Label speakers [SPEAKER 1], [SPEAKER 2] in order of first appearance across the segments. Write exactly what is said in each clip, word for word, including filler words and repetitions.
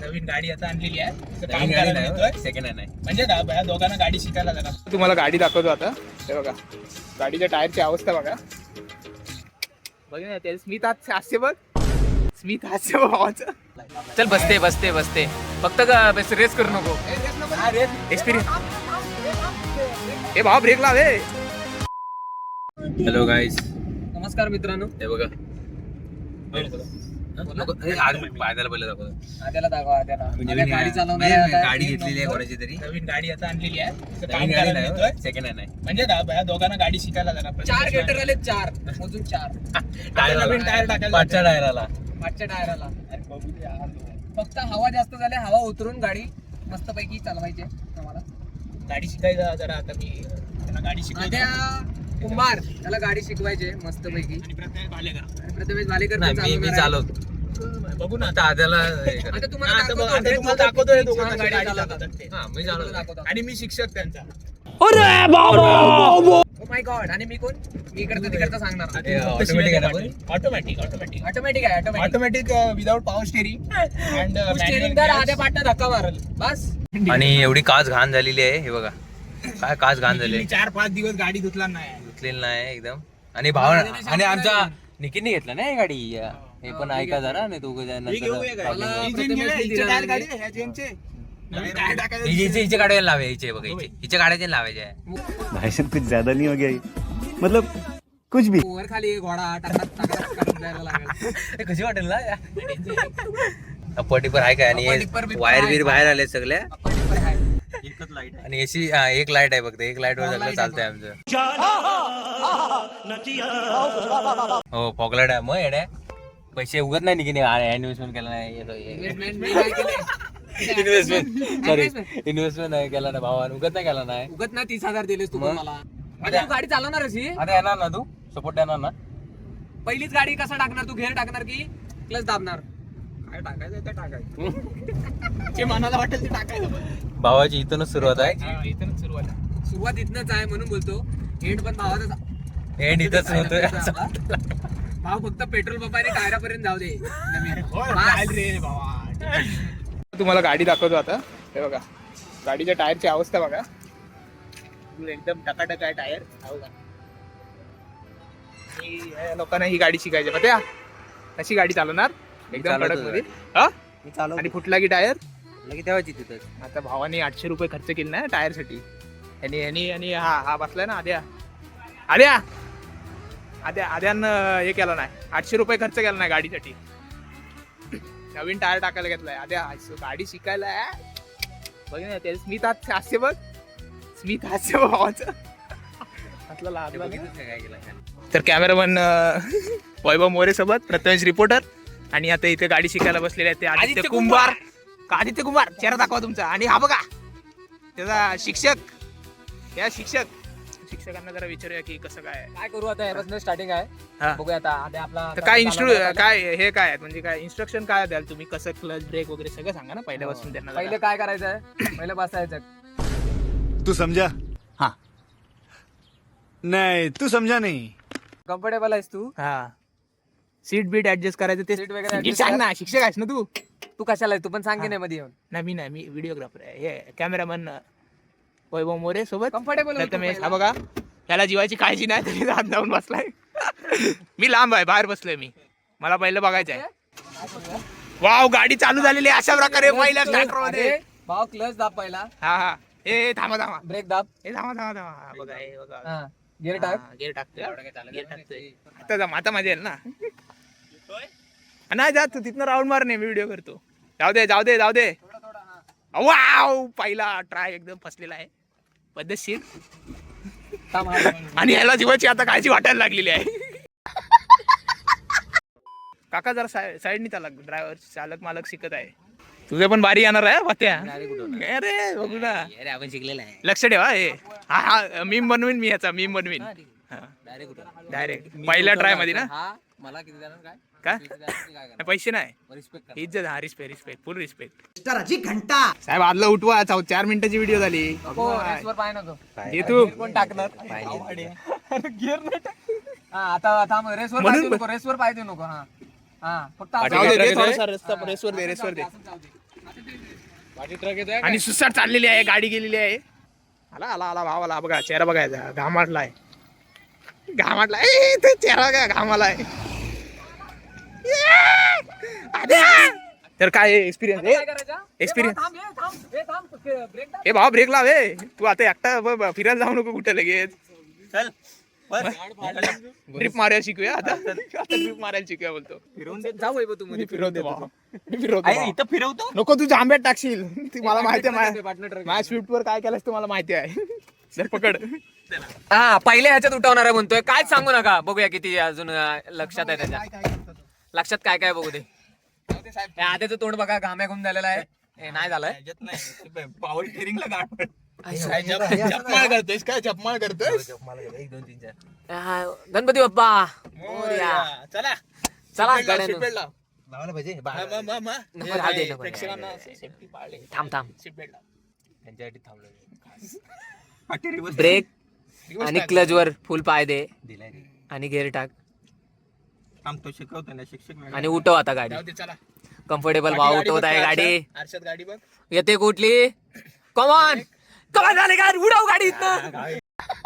[SPEAKER 1] नवीन गाडी आता आणलेली आहे. काम करायला येतोय. सेकंड हँड आहे म्हणजे या दोघांना गाडी शिकायला जरा. तुम्हाला गाडी दाखवतो आता. हे बघा गाडीच्या टायरची अवस्था बघा. बघ ना ते स्मित हास्य बघ. स्मित हास्य भावाचं.
[SPEAKER 2] चल बसते बसते बसते फक्त रेस करू नको.
[SPEAKER 1] एक्सपिरियन्स. हे भाव ब्रेक लाव.
[SPEAKER 2] हॅलो गाईज, नमस्कार मित्रांनो. हे बघा आद्याला पहिलं दाखवतो. आद्याला दाखवा. आद्याला गाडी चालवणार गाडी घेतलेली आहे कोणाची तरी.
[SPEAKER 1] नवीन गाडी आता आणलेली आहे. काम करायला येतोय. सेकंड हँड आहे म्हणजे या दोघांना गाडी शिकायला जरा.
[SPEAKER 2] चार गेटर आले. चार मोजून चार
[SPEAKER 1] टायर नवीन टायर टाकायला.
[SPEAKER 2] पाचच्या टायराला पाचच्या टायराला फक्त हवा जास्त झाली. हवा उतरून गाडी मस्त पैकी चालवायची आम्हाला.
[SPEAKER 1] गाडी शिकायला जरा आता मी त्यांना गाडी शिकायला.
[SPEAKER 2] कुंभार त्याला गाडी शिकवायचे मस्त पैकी.
[SPEAKER 1] आणि प्रथमेश भालेकर.
[SPEAKER 2] आणि प्रथमेश भालेकर
[SPEAKER 3] मी मी चालवतो.
[SPEAKER 1] बघू ना
[SPEAKER 3] आता आद्याला
[SPEAKER 2] आता तुम्हाला
[SPEAKER 1] आता बघ, आता तुम्हाला दाखवतोय दोघांना गाडी चालवतात ते.
[SPEAKER 3] हा मी चालवतो.
[SPEAKER 1] आणि मी शिक्षक त्यांचा.
[SPEAKER 2] Oh my God. आणि मी कोण? मी इकडचं तिकडचं सांगणार.
[SPEAKER 3] ऑटोमॅटिक आहे ना पण?
[SPEAKER 1] ऑटोमॅटिक ऑटोमॅटिक
[SPEAKER 2] ऑटोमॅटिक आहे. Automatic
[SPEAKER 1] automatic without power steering and
[SPEAKER 2] steering तर आध्या पाटणं धक्का मारल बस.
[SPEAKER 3] आणि एवढी काच घाण झालेली आहे. हे बघा काय काच घाण झाली.
[SPEAKER 1] चार पाच दिवस गाडी धुतला नाही.
[SPEAKER 3] धुतलेली नाही एकदम. आणि भाव आणि आमच्या निकीने घेतला ना ही गाडी. हे पण ऐका जरा नाही तू हिचे गाड्या लावे. हिचे बघा हिचे हिच्या गाड्याचे लावायचे आहे.
[SPEAKER 4] भाषण कुछ ज्यादा नहीं हो गया ये? मतलब कुछ भी.
[SPEAKER 2] वर खाली घोडा टाकत टाकत जायला लागेल.
[SPEAKER 3] कशी वाटेल ना पटीपर आहे काय. आणि वायर बीर बाहेर आले सगळ्या.
[SPEAKER 1] एकच लाईट आहे
[SPEAKER 3] आणि एसी एक लाईट आहे फक्त. एक लाईट वर सगळं चालतंय आमचं. हो फॉगलाईट आहे. मग येड्या पैसे उगत नाही निघणे. इन्व्हेस्टमेंट केला नाही. इन्व्हेस्टमेंट सॉरी इन्व्हेस्टमेंट नाही केला ना भावानं. उगत नाही केला नाही.
[SPEAKER 2] उगत ना तीस हजार दिलेस तू मला. आता तू गाडी चालवणार अशी.
[SPEAKER 3] आता येणार ना तू सपोर्ट येणार ना.
[SPEAKER 2] पहिलीच गाडी कसा टाकणार तू? घेर टाकणार की क्लच दाबणार?
[SPEAKER 1] काय टाकायचं ते टाकायचं. जे मनाला वाटेल ते टाकायचं.
[SPEAKER 3] भावाची इथूनच सुरुवात आहे.
[SPEAKER 1] इथूनच सुरुवात आहे.
[SPEAKER 2] सुरुवात इथनच आहे म्हणून बोलतो. एंड पण भावाचा
[SPEAKER 3] एंड इथंच होतोय.
[SPEAKER 2] भाव फक्त पेट्रोल पंप आणि टायरापर्यंत जाऊ दे.
[SPEAKER 1] रे बाबा. तुम्हाला गाडी दाखवतो आता. हे बघा गाडीच्या टायरची अवस्था बघा. एकदम टकाटक आहे टायर. लोकांना ही गाडी शिकायची मग त्या कशी गाडी चालवणार एकदम कडक मध्ये. आणि फुटला की टायर
[SPEAKER 3] तेव्हाची तिथं.
[SPEAKER 1] आता भावाने आठशे रुपये खर्च केले ना टायर साठी. आणि आणि आणि हा हा बसलाय ना आद्या. आद्या आद्या आद्यानं हे केलं नाही. आठशे रुपये खर्च केला नाही गाडीसाठी. नवीन टायर टाकायला घेतलाय आद्या. गाडी शिकायला बघ ना ते स्मित हास्य बघ. स्मित हास्य भावाचं. तर कॅमेरामन वैभव मोरे सोबत प्रथमेश रिपोर्टर. आणि आता इथे गाडी शिकायला बसलेले आहेत ते आदित्य कुंभार. आदित्य कुंभार चेहरा दाखवा तुमचा. आणि हा बघा त्याचा शिक्षक. या शिक्षक शिक्षकांना जरा विचारूया की कसं काय
[SPEAKER 2] काय करू. आता यापासून स्टार्टिंग आहे. बघूया आता आधी आपला
[SPEAKER 1] काय इन्स्ट्रु काय हे काय म्हणजे काय इन्स्ट्रक्शन काय द्याल तुम्ही? कसं क्लच ब्रेक वगैरे सगळं सांगा ना पहिल्यापासून त्यांना.
[SPEAKER 2] पहिले काय करायचं आहे? पहिलं बसायचं.
[SPEAKER 4] तू समझा? हाँ. नहीं तू समझा नहीं.
[SPEAKER 2] कम्फर्टेबल आहेस तू?
[SPEAKER 1] हा सीट बीट ऍडजस्ट करायचं ते
[SPEAKER 2] सीट वगैरे
[SPEAKER 1] नीट सांग ना. शिक्षक आहेस ना तू.
[SPEAKER 2] तू कशाला आहे? तू पण सांग की नाही मध्ये येऊन.
[SPEAKER 1] नाही मी नाही मी व्हिडिओग्राफर आहे. हे कॅमेरामन वैभव मोरे सोबत
[SPEAKER 2] कम्फर्टेबल
[SPEAKER 1] प्रथमेश. हा बघा त्याला जीवाची काळजी नाही तरी हात जाऊन बसलाय. मी लांब आहे बाहेर बसलोय मी. मला पहिलं बघायचं आहे. वाव गाडी चालू झालेली आहे अशा प्रकारे पहिल्या स्टार्टर मध्ये.
[SPEAKER 2] भाव क्लच दाब पहिला.
[SPEAKER 1] हा हा हे थांबा थांबा.
[SPEAKER 2] ब्रेक दाब.
[SPEAKER 1] हे थांबा थांबा थांबा. बघा हे बघा
[SPEAKER 2] गिअर टाक.
[SPEAKER 1] गिअर टाकतोय. गिअर टाकतोय. आता जम आता मजा येईल ना. नाही जात तू तिथनं राऊंड मार. नाही मी व्हिडिओ करतो. जाऊ दे जाऊ दे जाऊ दे. वाव पहिला ट्राय एकदम फसलेला आहे पद्धतशीर. आणि ह्याला जीवाची आता काळजी वाटायला लागलेली आहे. काका जरा साईडनी चालक. ड्रायव्हर चालक मालक शिकत आहे. तुझे पण बारी येणार आहे वात्या. अरे बघू ना
[SPEAKER 3] आपण शिकलेला आहे.
[SPEAKER 1] लक्ष ठेवा. हे हा हा मीम बनवीन मी. याचा मीम बनवीन डायरेक्ट पहिल्या ट्राय मध्ये ना.
[SPEAKER 2] मला किती देणार काय?
[SPEAKER 1] काय पैसे नाही.
[SPEAKER 2] रिस्पेक्ट
[SPEAKER 1] इज्जत. हा रिस्पेक्ट रिस्पेक्ट फुल रिस्पेक्ट. घंटा साहेब आदला उठवा. चार मिनिटाची व्हिडिओ झाली.
[SPEAKER 2] रेसवर पाय नको.
[SPEAKER 1] हे तू
[SPEAKER 2] कोण टाकणार? गिअर नाही टाक. हा आता थांब. रेसवर पाय नको. रेसवर पाय देऊ नको. हा हा फक्त
[SPEAKER 1] रेसवर दे रेसवर दे.
[SPEAKER 2] माझी ट्रक येतोय
[SPEAKER 1] आणि सुसाट चाललेली आहे, गाडी गेलेली आहे. आला आला आला भावाला बघा, चेहरा बघायचा, घामाटलाय घामाटलाय ए, ते चेहरा काय घामालाय. तर काय एक्सपिरियन्स एक्सपिरियन्स हे भावा ब्रेक लाव हे. तू आता एकटा ब- ब- फिरायला जाऊ नको कुठे लगेच.
[SPEAKER 3] चल
[SPEAKER 1] ट्रिप मारायला शिकूया आता ट्रिप मारायला शिकूया बोलतो.
[SPEAKER 2] फिरवून देत जाऊ तू
[SPEAKER 1] मी फिरवतो भावा. मी फिरवतो भावा.
[SPEAKER 3] इथं फिरवतो
[SPEAKER 1] नको तू जांभ्यात टाकशील, ती मला माहिती आहे.
[SPEAKER 2] पार्टनर ट्रक
[SPEAKER 1] माझ्या स्विफ्ट वर काय केलंस तुम्हाला माहिती आहे. सर पकड.
[SPEAKER 2] हा पहिल्या ह्याच्यात उठवणार आहे म्हणतोय, काय सांगू नका. बघूया किती अजून अं, लक्षात आहे त्याच्या. लक्षात काय काय बघू दे. हे आधीचं तोंड बघा, घाम्या घुम झालेला आहे. हे नाही झालंय.
[SPEAKER 3] पॉवर स्टेरिंगला गाठ
[SPEAKER 1] जपमाळ करतोयस काय जपमाळ करतोयस.
[SPEAKER 3] एक दोन तीन चार
[SPEAKER 2] हा, गणपती बाप्पा मोरया.
[SPEAKER 1] चला
[SPEAKER 2] चला
[SPEAKER 1] सीट बेल्ट लाव,
[SPEAKER 2] गाड्यानं.
[SPEAKER 1] सीट बेल्ट लाव.
[SPEAKER 3] लावायला पाहिजे
[SPEAKER 1] म- म- म- म.
[SPEAKER 2] नको,
[SPEAKER 1] हे
[SPEAKER 2] राहू दे,
[SPEAKER 1] काय,
[SPEAKER 2] नको.
[SPEAKER 1] प्रेक्षकांना सेफ्टी पाळले.
[SPEAKER 2] थांब थांब.
[SPEAKER 1] सीट बेल्ट लाव.
[SPEAKER 3] त्यांच्यासाठी थांबलो.
[SPEAKER 2] ब्रेक
[SPEAKER 1] Reverse
[SPEAKER 2] आणि
[SPEAKER 1] टाक.
[SPEAKER 2] क्लच वर फुल पाय दे
[SPEAKER 3] दिलाय
[SPEAKER 2] आणि गेअर टाक
[SPEAKER 3] थांबतो शिकवतो ना शिक्षक
[SPEAKER 2] आणि उठव आता गाडी.
[SPEAKER 1] जाऊ दे, चला.
[SPEAKER 2] कम्फर्टेबल
[SPEAKER 1] बाकी
[SPEAKER 2] भाव
[SPEAKER 1] गाडी
[SPEAKER 2] उठवत
[SPEAKER 1] बघ,
[SPEAKER 2] आहे
[SPEAKER 1] आरशात-
[SPEAKER 2] गाडी.
[SPEAKER 1] आरशात गाडी बघ.
[SPEAKER 2] येते कुठली. कमॉन कमॉन झाले का उडव गाडी इथनं.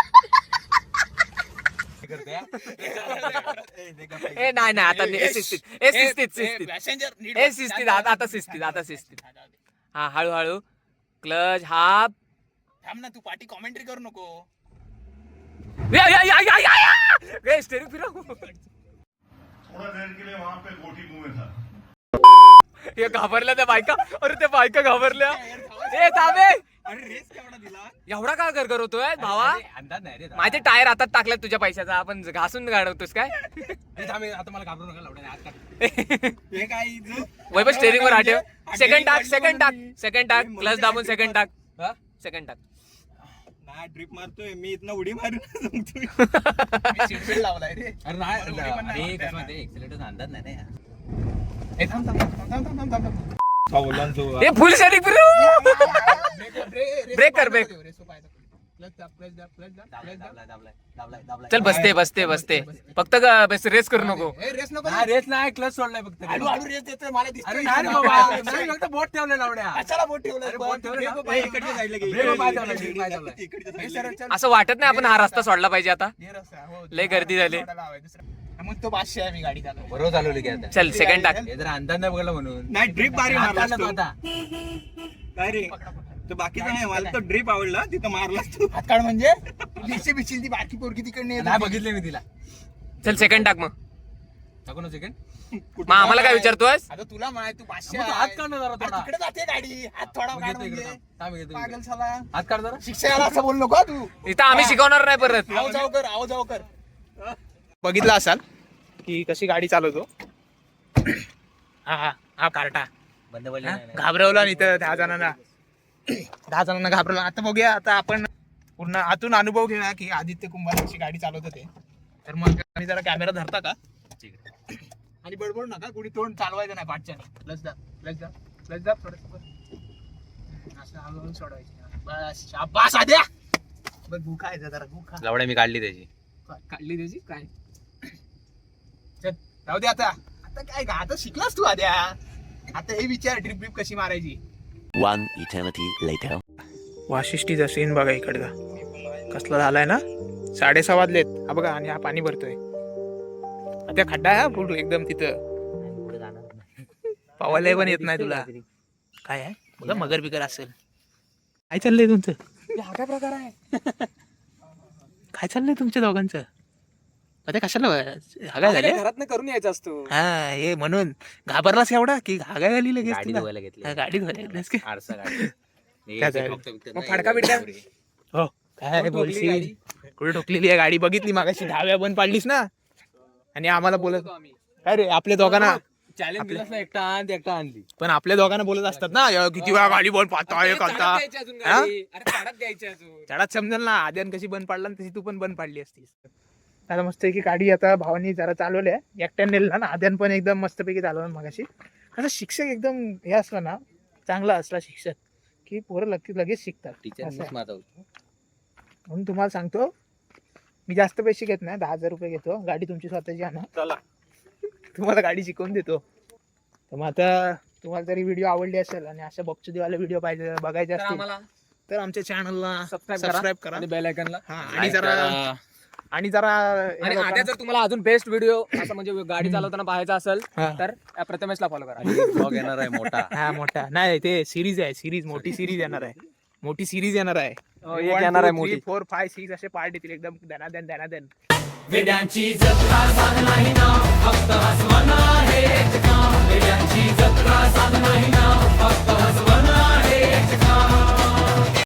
[SPEAKER 2] ए नाही नाही आता नाही, ए, शिस्तीत ए शिस्तीत
[SPEAKER 1] ए,
[SPEAKER 2] शिस्तीत
[SPEAKER 1] passenger नीट
[SPEAKER 2] ए
[SPEAKER 1] बघ.
[SPEAKER 2] शिस्तीत आता आता शिस्तीत आता शिस्तीत. हा हळूहळू क्लच हाफ.
[SPEAKER 1] थांब ना, तू पाठी कॉमेंट्री करू नको.
[SPEAKER 2] या या या या या ए स्टेरिंग फिरव.
[SPEAKER 5] थोड़ा देर के लिए वहां पे गोटी मुंह में था.
[SPEAKER 2] हे घाबरल्या त्या बायका. अरे त्या बायका घाबरल्या. ए थांबे. एवढा का गरगर होतोय भावा.
[SPEAKER 3] अंदाज नाही रे
[SPEAKER 2] माहिती टायर आता टाकल्यात तुझ्या पैशाचा, आपण घासून गाडवतोस काय.
[SPEAKER 3] आता मला घाबरू नका लावड्या हात काढ. हे काय
[SPEAKER 2] वैभव स्टेरिंग वर आठव. सेकंड टाक सेकंड टाक सेकंड टाक क्लच दाबून सेकंड टाक सेकंड टाक.
[SPEAKER 3] नाही ड्रिप मारतोय मी इथनं उडी मारून सांगतोय.
[SPEAKER 1] सीट बेल्ट लावलाय रे.
[SPEAKER 3] अरे नाही अरे कसं माहिती एक्सिलेटरचा अंदाज नाही ना.
[SPEAKER 1] ए, थांब थांब थांब थांब थांब थांब थांब.
[SPEAKER 2] हे फुल स्टेरिंग फिरव.
[SPEAKER 1] ब्रेक
[SPEAKER 2] ब्रेक कर, ब्रेक. चल बसते बसते बसते फक्त ग- बस रेस करू नको.
[SPEAKER 1] रेस नको.
[SPEAKER 3] रेस नाही क्लच सोडलाय फक्त.
[SPEAKER 1] हळू हळू रेस देतोय मला दिसतोय.
[SPEAKER 3] अरे नाही रे बाबा नाही फक्त बोट ठेवलंय लावड्या.
[SPEAKER 1] कशाला बोट ठेवलंय?
[SPEAKER 3] अरे बोट ठेवलंय
[SPEAKER 1] ब्रेक
[SPEAKER 3] ना.
[SPEAKER 1] पाय-
[SPEAKER 3] इकडच्या साईडला घे. ब्रेक पाय ठेवलाय, ब्रेक पाय ठेवलाय.
[SPEAKER 1] हे सरळ चल.
[SPEAKER 2] असं वाटत नाही आपण हा रस्ता सोडला पाहिजे आता.
[SPEAKER 1] हे रस्ता, हो.
[SPEAKER 2] लय गर्दी झाली.
[SPEAKER 1] सोडायला हवाय दुसरा. मग तो पाचशे आहे, मी गाडी चालवतो.
[SPEAKER 3] बरोबर चालवली की आता.
[SPEAKER 2] चल सेकंड टाक.
[SPEAKER 3] हे जरा अंदाज नाही बघला म्हणून.
[SPEAKER 5] नाही ड्रिप बारी
[SPEAKER 3] हात
[SPEAKER 5] मारलास
[SPEAKER 3] काढला
[SPEAKER 5] तू.
[SPEAKER 3] तो आता.
[SPEAKER 5] काय रे तो बाकीचा नाही मला तो ड्रिप आवडला तिथं मारलास तू.
[SPEAKER 1] हातकाड म्हणजे दिसते बिशील ती बारकी पोरगी तिकडे येत
[SPEAKER 3] नाही
[SPEAKER 1] होती.
[SPEAKER 3] बघितले मी तिला.
[SPEAKER 2] चल सेकंड टाक मग.
[SPEAKER 3] टाकू ना सेकंड.
[SPEAKER 2] मग आम्हाला काय विचारतोयस.
[SPEAKER 1] आता तुला माहिती तू पाचशे
[SPEAKER 3] मग तू
[SPEAKER 1] आहे.
[SPEAKER 3] हात काढ ना जरा
[SPEAKER 1] अरे
[SPEAKER 3] थोडा.
[SPEAKER 1] तिकडे जाते गाडी, हात थोडा
[SPEAKER 3] मग
[SPEAKER 1] काढ
[SPEAKER 3] घेतो इकडे
[SPEAKER 1] म्हणजे.
[SPEAKER 3] थांब. थांब घेतो
[SPEAKER 1] पागल
[SPEAKER 3] इकडे.
[SPEAKER 1] साला.
[SPEAKER 3] हात काढ जरा.
[SPEAKER 1] शिक्षकाला असं बोल नको हा तू.
[SPEAKER 2] इथं आम्ही शिकवणार नाही परत.
[SPEAKER 1] आव जाव कर, आव जाव कर. बघितलं असाल की कशी गाडी चालवतो. हा हा हा कार्टा
[SPEAKER 3] बंद पडली
[SPEAKER 1] हा?
[SPEAKER 3] नाही ना.
[SPEAKER 1] घाबरवला नाही तर दहा जणांना दहा जणांना घाबरवला. आता बघूया, आता आपण पूर्ण आतून अनुभव घेऊया की आदित्य कुंभार कशी गाडी चालवत होते. तर मग आणि जरा कॅमेरा धरता का आणि बडबड नका, कुणी तोंड चालवायचं नाही पाठच्याने. प्लस दा प्लस दा प्लस दा थोडं असं हळूहळू सोडवायचं. बस शाबास आद्या. बघ भूका आहे जरा भूका
[SPEAKER 3] लावड्या मी काढली त्याची.
[SPEAKER 1] काढली त्याची काय. चल जाऊ दे आता. आता काय का आता शिकलास तू आद्या. आता हे विचार ड्रिप ड्रिप कशी मारायची.
[SPEAKER 6] One eternity later.
[SPEAKER 1] वाशिष्ठीचा सीन बघा इकडचा कसला झालाय ना. साडेसहा वाजलेत हा बघा, आणि हा पाणी भरतोय. त्या खड्डा आहे हा फुल एकदम तिथं. पावायला पण येत नाही तुला. काय आहे बघा, मगर बिगर असेल. काय चाललंय तुमचं.
[SPEAKER 2] हा काय प्रकार आहे.
[SPEAKER 1] काय चाललंय तुमच्या दोघांचं. आता कशाला हागाय झाले.
[SPEAKER 2] घरात करून यायचा असतो.
[SPEAKER 1] हा हे म्हणून घाबरलास एवढा की हागाय झाली लगेच
[SPEAKER 3] गाडी
[SPEAKER 1] तुला?
[SPEAKER 3] धुवायला घेतली.
[SPEAKER 1] हा, गाडी धुवायला घेतलीस की.
[SPEAKER 3] आरसा गाडी.
[SPEAKER 1] काय झालं?
[SPEAKER 2] मग फडका बिडका?
[SPEAKER 1] हो काय
[SPEAKER 2] ठोकली
[SPEAKER 1] बोलशील.
[SPEAKER 2] गाडी?
[SPEAKER 1] कुठे ठोकलेली आहे गाडी. बघितली मागाशी दहाव्या बंद पाडलीस ना. आणि आम्हाला बोलत काय रे आपल्या दोघांना
[SPEAKER 3] चॅलेंज दिलास ना, एकटा आण एकटा आणली.
[SPEAKER 1] पण आपल्या दोघांना बोलत असतात ना, "या, किती वेळा गाडी बंद पाडता हे करता." हा? चढात समजेल ना. आद्यान कशी बंद पाडला तशी तू पण बंद पाडली असतीस. आता मस्त की गाडी आता भावानी जरा चालवल्या एकट्याने नेलं ना. आद्यान पण एकदम मस्तपैकी चालवलं मगाशी. कसं शिक्षक एकदम हे असला ना, चांगला असला शिक्षक की पोरं लगेच लगेच शिकतात.
[SPEAKER 3] टीचर
[SPEAKER 1] असं आहे.
[SPEAKER 3] माझा
[SPEAKER 1] म्हणून तुम्हाला सांगतो, मी जास्त पैसे घेत नाही, दहा हजार रुपये घेतो. गाडी तुमची स्वतःची आणा,
[SPEAKER 5] चला
[SPEAKER 1] तुम्हाला गाडी शिकवून देतो. तर मग आता तुम्हाला जरी व्हिडिओ आवडली असेल आणि अशा बक्षुदेवाले व्हिडिओ पाहिजे बघायचे
[SPEAKER 2] तर
[SPEAKER 1] असतील
[SPEAKER 2] आम्हाला
[SPEAKER 1] तर आमच्या चॅनलला
[SPEAKER 2] सबस्क्राईब
[SPEAKER 1] सबस्क्राईब
[SPEAKER 2] करा
[SPEAKER 1] करा
[SPEAKER 2] आणि बेल आयकनला.
[SPEAKER 1] हा आणि जरा आणि जरा
[SPEAKER 2] आणि आद्या जर तुम्हाला अजून बेस्ट व्हिडिओ असं म्हणजे गाडी चालवताना पाहायचा असेल
[SPEAKER 1] हा.
[SPEAKER 2] तर प्रथमेशला फॉलो करा.
[SPEAKER 3] ब्लॉग येणार आहे मोठा.
[SPEAKER 1] हा मोठा नाही ते सिरीज आहे सिरीज मोठी सिरीज येणार आहे मोठी सिरीज येणार आहे
[SPEAKER 2] हो, एक येणार आहे मोठी.
[SPEAKER 1] फोर फाय सिक्स असे पार्ट येतील एकदम दनादन दनादन
[SPEAKER 2] वेड्यांची जत्रा साधना